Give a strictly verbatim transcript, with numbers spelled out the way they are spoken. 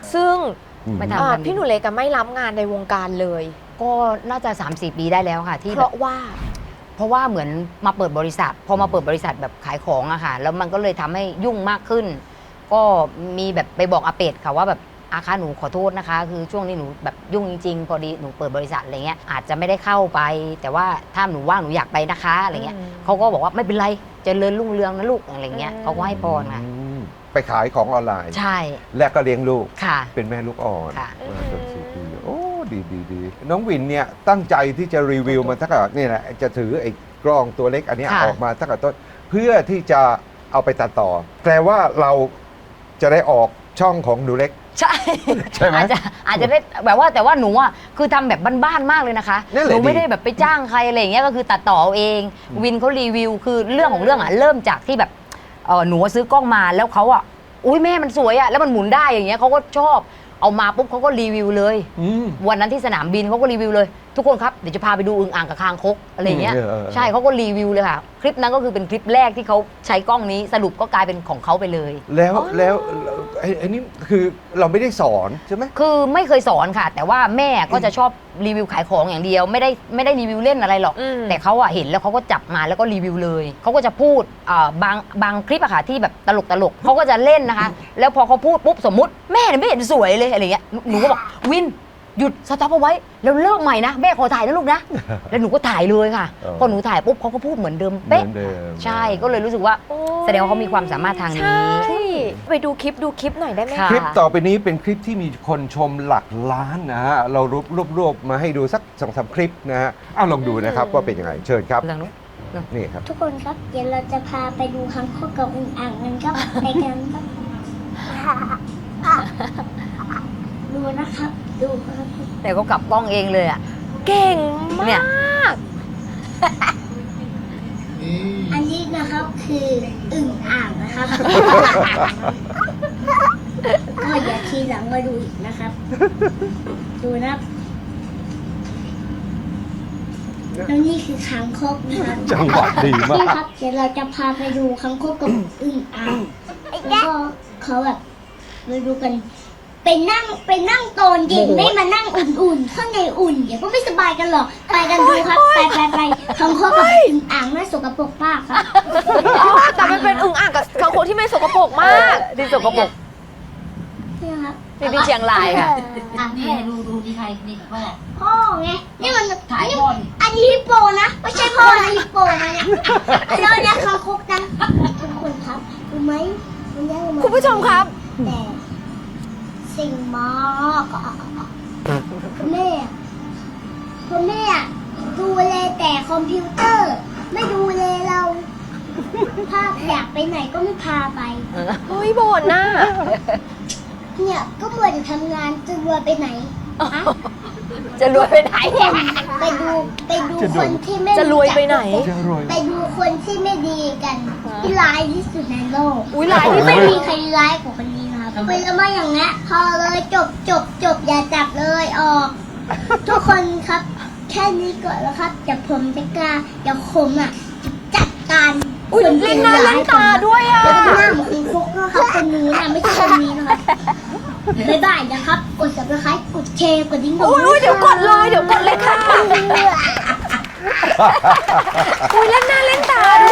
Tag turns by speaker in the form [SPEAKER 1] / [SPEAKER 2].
[SPEAKER 1] ซึ่ง
[SPEAKER 2] ไม่ทำ
[SPEAKER 1] พี่หนูเล็กไม่รับงานในวงการเลย
[SPEAKER 2] ก็น่าจะ สามสี่ ปีได้แล้วค่ะที่
[SPEAKER 1] เพราะว่า
[SPEAKER 2] เพราะว่าเหมือนมาเปิดบริษัทพอมาเปิดบริษัทแบบขายของอะค่ะแล้วมันก็เลยทำให้ยุ่งมากขึ้น ก็มีแบบไปบอกอาเป็ดค่ะว่าแบบอาคะหนูขอโทษนะคะ คือช่วงนี้หนูแบบยุ่งจริงๆพอดีหนูเปิดบริษัทอะไรเงี้ยอาจจะไม่ได้เข้าไป แต่ว่าถ้าหนูว่างหนูอยากไปนะคะอะไรเงี้ยเขาก็บอกว่าไม่เป็นไรเจริญรุ่งเรืองนะลูกอะไรเงี้ยเขาก็ให้พรค่ะ
[SPEAKER 3] ไปขายของออนไลน์
[SPEAKER 2] ใช่
[SPEAKER 3] และก็เลี้ยงลูก
[SPEAKER 2] ค่ะ
[SPEAKER 3] เป็นแม่ลูกอ่อน
[SPEAKER 2] ค่ะ
[SPEAKER 3] มาจนสี่ปีโอ้ดีดีดีน้องวินเนี่ยตั้งใจที่จะรีวิวมันตั้งแต่นี่แหละจะถือไอ้กล้องตัวเล็กอันเนี้ย
[SPEAKER 2] ค่ะ
[SPEAKER 3] ออกมาตั้งแต่ต้นเพื่อที่จะเอาไปตัดต่อแปลว่าเราจะได้ออกช่องของหนูเล็ก
[SPEAKER 2] ใช่
[SPEAKER 3] ใช่ไหม
[SPEAKER 2] อาจจะอาจจะได้แบบว่าแต่ว่าหนูอ่ะคือทำแบบบ้านๆมากเลยนะคะ
[SPEAKER 3] นั่นแห
[SPEAKER 2] ห
[SPEAKER 3] ละ
[SPEAKER 2] นูไม่
[SPEAKER 3] ดี
[SPEAKER 2] ได้แบบไปจ้างใครอะไรอย่างเงี้ยก็คือตัดต่อเอาเอง วินเขารีวิวคือเรื่องของเรื่องอ่ะเริ่มจากที่แบบเออหนูซื้อกล้องมาแล้วเขาอ่ะอุ้ยแม่มันสวยอ่ะแล้วมันหมุนได้อย่างเงี้ยเขาก็ชอบเอามาปุ๊บเขาก็รีวิวเลย
[SPEAKER 3] อืม
[SPEAKER 2] วันนั้นที่สนามบินเขาก็รีวิวเลย ทุกคนครับเดี๋ยวจะพาไปดูอึ่งอ่างกับคางคกอะไรอย่างเงี้ย
[SPEAKER 3] เออเออเออ
[SPEAKER 2] ใช่เขาก็รีวิวเลยค่ะคลิปนั้นก็คือเป็นคลิปแรกที่เขาใช้กล้องนี้สรุปก็กลายเป็นของเขาไปเลย
[SPEAKER 3] แล้ว
[SPEAKER 1] อ๋อ
[SPEAKER 3] แล้วไอ้ไอ้นี่คือเราไม่ได้สอนใช่ไหม
[SPEAKER 2] คือไม่เคยสอนค่ะ แต่ว่าแม่ก็จะชอบรีวิวขายของอย่างเดียว ไม่ได้ไม่ได้รีวิวเล่นอะไรหรอก
[SPEAKER 1] อืม
[SPEAKER 2] แต่เขาอะเห็นแล้วเขาก็จับมาแล้วก็รีวิวเลยเขาก็จะพูดอ่าบางบางคลิปอะค่ะที่แบบตลกตลกเขาก็จะเล่นนะคะ แล้วพอเขาพูดปุ๊บสมมุติแม่เนี่ยไม่เห็นสวยเลยอะไรเงี้ยหนูหนูก็บอกวินหยุดสต็อปเอาไว้แล้วเลิกใหม่นะแม่ขอถ่ายนะลูกนะ แล้วหนูก็ถ่ายเลยค่ะ
[SPEAKER 3] เออ
[SPEAKER 2] พอหนูถ่ายปุ๊บเขาก็พูดเหมือนเดิม
[SPEAKER 3] เหมื
[SPEAKER 2] เป๊ะ
[SPEAKER 3] อนเดิม
[SPEAKER 2] ใช่ก็เลยรู้สึกว่า
[SPEAKER 1] โอ้ย
[SPEAKER 2] แสดงว่าเขามีความสามารถทางนี้
[SPEAKER 1] ใช่ไปดูคลิปดูคลิปหน่อยได้ไหม
[SPEAKER 2] ค่ะ
[SPEAKER 3] คลิปต่อไปนี้เป็นคลิปที่มีคนชมหลักล้านนะฮะ เรารวบรวบรวบมาให้ดูสักสองสามคลิปนะฮะเอาลองดูนะครับว่าเป็นยังไง เชิญครับ
[SPEAKER 2] เรื่องนู้น
[SPEAKER 3] นี่ครับ
[SPEAKER 4] ทุกคนครับ เดี๋ยวเราจะพาไปดูคังคกกับอึ่งอ่างกันครับ ไปกันครับดูนะครับ ดูครับ
[SPEAKER 2] แต่ก็กลับกล้องเองเลยอะ
[SPEAKER 1] เก่งม
[SPEAKER 2] เนี่
[SPEAKER 1] าย ก
[SPEAKER 4] อันนี้นะครับคืออึ่งอ่างนะครับ ก็อย่าทีหลังมาดูอีกนะครับ ดูนะครับแล้วนี่คือคังคกนะครับ
[SPEAKER 3] จังหวะดีมา
[SPEAKER 4] นี่
[SPEAKER 3] ก
[SPEAKER 4] ครับ เดี๋ยวเราจะพาไปดูคังคกกับอึ่งอ่างแล้วก็เขาแบบมาดูกัน ไปนั่งไปนั่งโตนเย็นไม่มานั่งอุ่นๆ ข้างในอุ่น เดี๋ยวก็ไม่สบายกันหรอก ไปกันดูครับ ไปไปไปคังคกกับอึ่งอ่างน่าสกปรกมากครับ
[SPEAKER 1] แต่มันเป็นอึ่งอ่างกับคางคกที่ไม่สกปรกมาก
[SPEAKER 2] ที่สกปรก
[SPEAKER 4] นี่ครับ
[SPEAKER 2] นี่ที่เชียงรายค่ะ
[SPEAKER 4] อ่ะ
[SPEAKER 5] นี่
[SPEAKER 4] แม่
[SPEAKER 5] ดูดูที่ใครนี่พ่อ
[SPEAKER 4] พ่อไง นี่มัน
[SPEAKER 5] ถ่าย
[SPEAKER 4] นี่
[SPEAKER 5] พ่อดิ
[SPEAKER 4] อันนี้ฮิปโปนะ ไม่ใช่พ่อนะฮิปโปนะเนี่ยแล้วเนี่ยคังคกนะทุกคนครับรู้ไหมมันยังมา
[SPEAKER 1] คุณผู้ชมครับ
[SPEAKER 4] แต่สิ่งมากอะคุณแม่คุณแม่ดูแลแต่คอมพิวเตอร์ ไม่ดูแลเราถ้าอยากไปไหนก็ไม่พาไป
[SPEAKER 1] โอ้ยบ่นน่ะ
[SPEAKER 4] เนี่ยก็มัวแต่ทำงานจะรวยไปไหนอะ
[SPEAKER 2] จะรวยไปไหน
[SPEAKER 4] ไปดูไปดูคนที่ไม่
[SPEAKER 1] จะรวยไปไหน
[SPEAKER 3] จะรวย
[SPEAKER 4] ไปดูคนที่ไม่ดีกัน ที่ร้ายที่สุดในโลก
[SPEAKER 1] อุ้ยหลายที่
[SPEAKER 4] ไม่
[SPEAKER 1] ไม่
[SPEAKER 4] มีใครร้ายกว่าคนนี้นะครับเป็นแล้วมาอย่างเงี้ยพอเลยจบจบจบอย่าจับเลยออก ทุกคนครับ แค่นี้ก่อนแล้วครับเดี๋ยวผมจะกล้าเดี๋ยวผมอ่ะจัดการ
[SPEAKER 1] อุ้ยเล่นหน้าเล่นตาด้วยอ่ะ
[SPEAKER 4] แล้วก็หน้าเหมือนคุณฟุกนะครับคนนี้นะไม่ใช่คนนี้นะครับบ๊ายบายนะครับกด ซับสไครบ์ กดแชร์กดดิ้ง
[SPEAKER 1] อุ้ยอุ้ยเดี๋ยวกดเลยเดี๋ยวกดเลยค่ะอุ้ยเล่นหน้าเล่นตาด้วย